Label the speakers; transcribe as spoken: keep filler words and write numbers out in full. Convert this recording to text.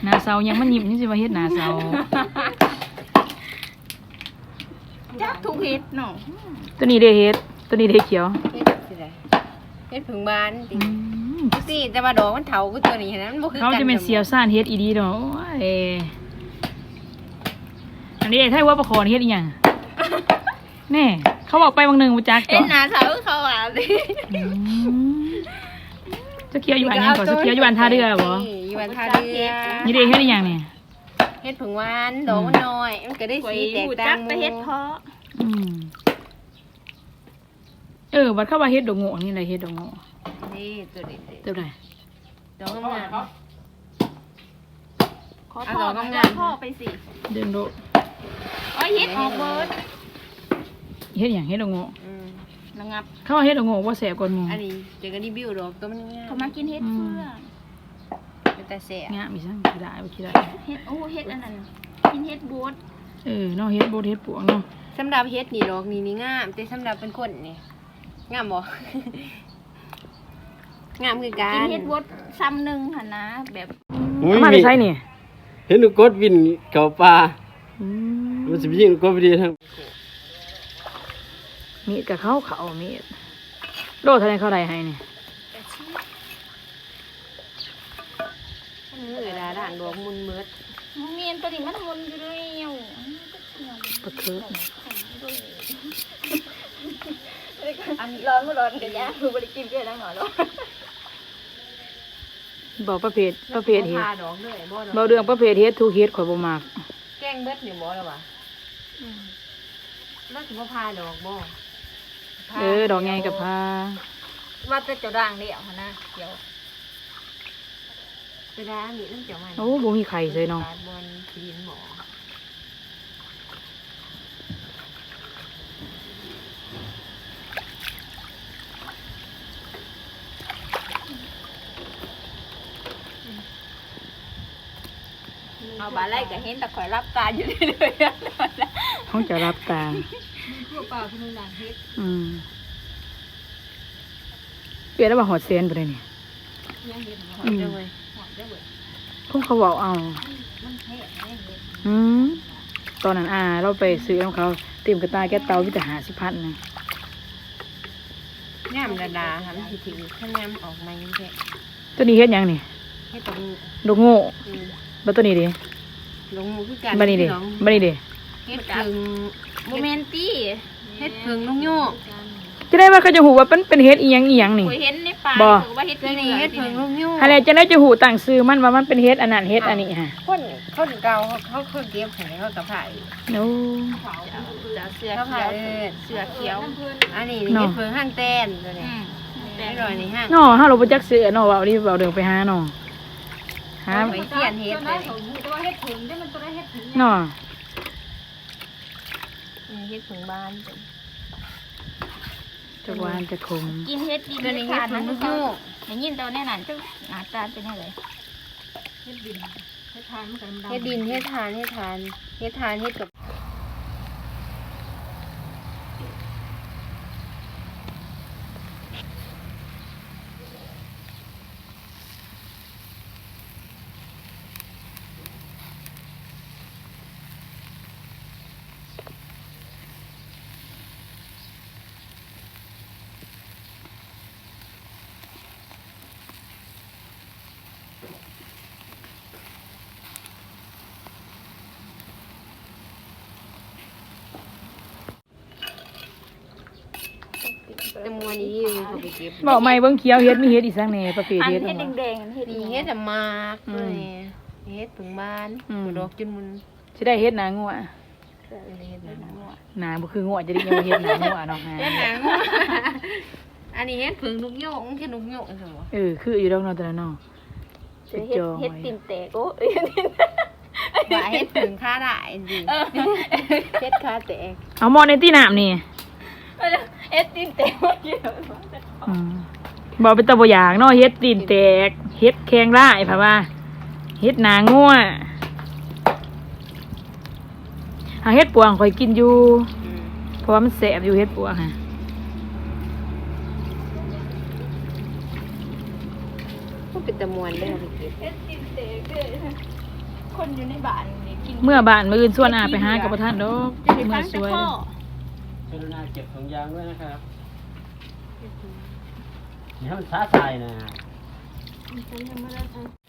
Speaker 1: หน้าเสายังมันหยิบนี่สิว่าเฮ็ดหน้าเสา
Speaker 2: จักทุกเฮ็ดเนาะ
Speaker 1: ตัวนี้เด้เฮ็ดตัวนี้เด้เขียว
Speaker 3: เฮ็ดสิได้เฮ็ดผึ่งบานติสิแต่ว่าดอกมันเฒ่าคือตัวนี้นะมันบ่คือกัน
Speaker 1: เขาจะเป็นเสียวซ่านเฮ็ดอีดีเนาะโอ้ยอันนี้ถ้าว่าประคอนเฮ็ดอีหยังแน่เขาบอกไปบางหนึ่งมาจักเ
Speaker 2: ฮ็ดหน้าเสาเขาว่าสิ
Speaker 1: จะเคี้ยวอยู่อันนี้ก่อนจะเคี้ยวอยู่อันท่าเรือบ่
Speaker 3: อยู่อันท่าเรือ
Speaker 1: นี่เด้เฮ็ดอีหยังนี่
Speaker 3: เฮ็ดผึ่งหวานดอกมันน้อยมันก็ได้สีแตกต่าง
Speaker 2: ไปเฮ็ดเพาะ
Speaker 1: อืมเออบัดเข้าว่าเฮ็ดดอกโง่นี่อะไรเฮ็ดดอกโง่
Speaker 3: นี่ตัวนี้
Speaker 1: ตัวไหน
Speaker 3: ดอกงาม
Speaker 2: ขอพ่อดอกพ่อไปสิ
Speaker 1: เดินโด
Speaker 2: โอ้ยเฮ็ดออกเบิด
Speaker 1: เฮ็ดหยังเฮ็ดดอกโง่
Speaker 2: ระงับ
Speaker 1: เขาว่าเฮ็ดดอกโง่บ่แสบกว่าหมู่
Speaker 3: อันนี้เจอกันรีวิวดอกตัวมันงาม
Speaker 2: เขามากินเฮ็ดเฟือง
Speaker 3: เป็นแต่แซ่บ
Speaker 1: งามอีซั่งสิได้บ่คิดได้
Speaker 2: เฮ็ดโอ้เฮ็ดอันนั้นกินเฮ็ดบด
Speaker 1: เออเนาะเฮ็ดบดเฮ็ดปวงเนาะ
Speaker 3: สำหรับเฮ็ดนี่ดอกนี่นี่งามแต่สำหรับเป็นคนนี่งามบ่งามคือกัน
Speaker 2: กินเฮ็ดบดซ้ำนึงหั่นนะแบบ
Speaker 1: มาได้ใช้นี่
Speaker 4: เห็นกดวินเก่าปลามันสิยิงกดไปดีทั้ง
Speaker 1: มีดกับเขาเขามีดโลเท่าไรเขาได้ให้นี่
Speaker 3: เวลาด่างดอกมุนเมิด
Speaker 2: เมียนตัวนี้มันมุนอยู่เร็ว
Speaker 1: ปะเคือ
Speaker 2: อันร้อนไม่ร้อนกันยะคือบริกินเพื่อนแล้วหน่อยแล้ว
Speaker 1: บอกประเภทประเภทเฮ็ด
Speaker 3: ดอกด้วยบ่
Speaker 1: เบาเรื่องประเภทเฮ็ดทุกเฮ็ดข่อยบ่มัก
Speaker 3: แกงเบิดนี่บ่ล่ะวะอืมแล้วสิบ่พาดอกบ่
Speaker 1: เออดอกใหญ่กับพา
Speaker 2: ว่าจะเจ้าด่างเดี่ยวนะเดี๋ยว
Speaker 3: ไปได้มีน้ำเจ้าใหม่
Speaker 1: โอ้บ่มีไข่เลยเนาะ
Speaker 3: บนดินหมอ
Speaker 2: เอาบาไล่ก็เห็นแต่ข่อยรับตาอยู่เลย
Speaker 1: เขาจะรับตา
Speaker 2: พวกเปล่าที่มึงด่างเฮ็ด
Speaker 1: อืมเปลี่ยนแล้วว่าหอดเซนไปเลยนี่
Speaker 3: ยังเฮ็ดหอดจังเลยหอดจังเลย
Speaker 1: คงเขาบอกเอา
Speaker 2: มันแท้แน่เฮ็ด
Speaker 1: อืมตอนนั้นอาเราไปซื้อของเขาเตรียมกระต่ายแก้เตาวิจารหาสิพันนะ
Speaker 3: ย่ำดาดาค่ะมันสิถือข้าวย่ำออกมาอย่างแท้
Speaker 1: ตัวนี้เฮ็ดยังนี่
Speaker 3: เฮ็ดตรง
Speaker 1: ดอกโง่แล้วตัวนี้ดิ
Speaker 3: ลงมือคือกัน
Speaker 1: บันนี้ดิบันนี้ดิ
Speaker 3: เฮ็ดพึ่ง
Speaker 2: โมเมนตี้
Speaker 3: เฮ็ดพึ่งลุงโยก
Speaker 1: จะได้ว่าเขาจะหูว่าเป็นเป็นเฮ็ดอีหยังอีหยังนี่
Speaker 2: เห็นในป่าบอกว่าเฮ็ด
Speaker 3: นี่เฮ็ดพึ่งลุงโยก
Speaker 1: อะไรจะได้จะหูต่างซื้อมันว่ามันเป็นเฮ็ดอันนั้นเฮ็ดอันนี้ฮะ
Speaker 3: คนคนเก่าเขาเขาเก็บให้เขากับไผ่
Speaker 1: โอ้
Speaker 2: เสือเขียวเสือเขียว
Speaker 3: อันนี้เฮ็ดพึ่งห้างแต้นตัวนี้แต่รอยนี่ห้าง
Speaker 1: เนาะเฮาเราบ่จักซื้อเนาะว่าดิเว้าเดินไปหาเนาะหา
Speaker 3: ไปเขียนเฮ็ดเลย
Speaker 1: เนาะ
Speaker 3: เฮ็ดผึ่งบ้าน
Speaker 1: จะหวานจะขม
Speaker 2: กินเฮ็ดดินเฮ็ดผึ่งลูกโยกอย่างนี้ตัวแน่นอนเจ้าหน้าตาเป็นยังไง
Speaker 3: เฮ็ดดินเฮ็ดทานเฮ็ดดินเฮ็ดทานเฮ็ดทานเฮ็ดทานเฮ็ดกับแต่มัวนี้เขาไปเก็บ
Speaker 1: บอกไม่เบิ่งเขียวเฮ็ดมีเฮ็ดอีสังแหน่ประเภทเฮ็ด
Speaker 2: เฮ็ดแดงๆเฮ็ด
Speaker 3: เฮ็ดมากเลยเฮ็ดผึ่งบ้านดอกจนมัน
Speaker 1: สิได้เฮ็ดหนางัวหนาบ่คืองัวจะได้ยังเฮ็ดหนางัวเนาะฮะ
Speaker 3: เฮ็ดหนางัวอันนี้เฮ็ดผึ่งนกโยกมันคือ นกโยกซั่นบ่
Speaker 1: เออคืออยู่ดอกเนาะแต่ละเนาะ
Speaker 2: เฮ็ดเฮ็ดติ่มแตกโอ้
Speaker 3: ว่าเฮ็ดผึ่งค่าได้จริงเฮ็ดค่าแตก
Speaker 1: เอาหม้อในที่น้ำนี่
Speaker 2: เฮ็ดติ่มแตกบ่กิน
Speaker 1: อืมบ่เป็นตาบ่อยากเนาะเฮ็ดตีนแตกเฮ็ดแข็งร้ายเพราะว่าเฮ็ดหนางัวหาเฮ็ดปวงข่อยกินอยู่เพราะว่ามันแสบอยู่เฮ็ดปวงฮะ
Speaker 3: ก็เป็นตะมวนเด้อไปเก็บ
Speaker 2: เฮ็ดติ่มแตกเด้อคนอยู่ในบ้านนี่กิน
Speaker 1: เมื่อบ้านมื้ออื่นส่วนอาไปหากับบ่ทันดอก
Speaker 2: จะได้
Speaker 1: เมื่
Speaker 2: ฟั
Speaker 1: อง ส
Speaker 2: แต่
Speaker 1: วย
Speaker 2: พ่อ
Speaker 4: กรุณาเก็บถุงยางด้วยนะครับอย่าให้มันช้าตายนะ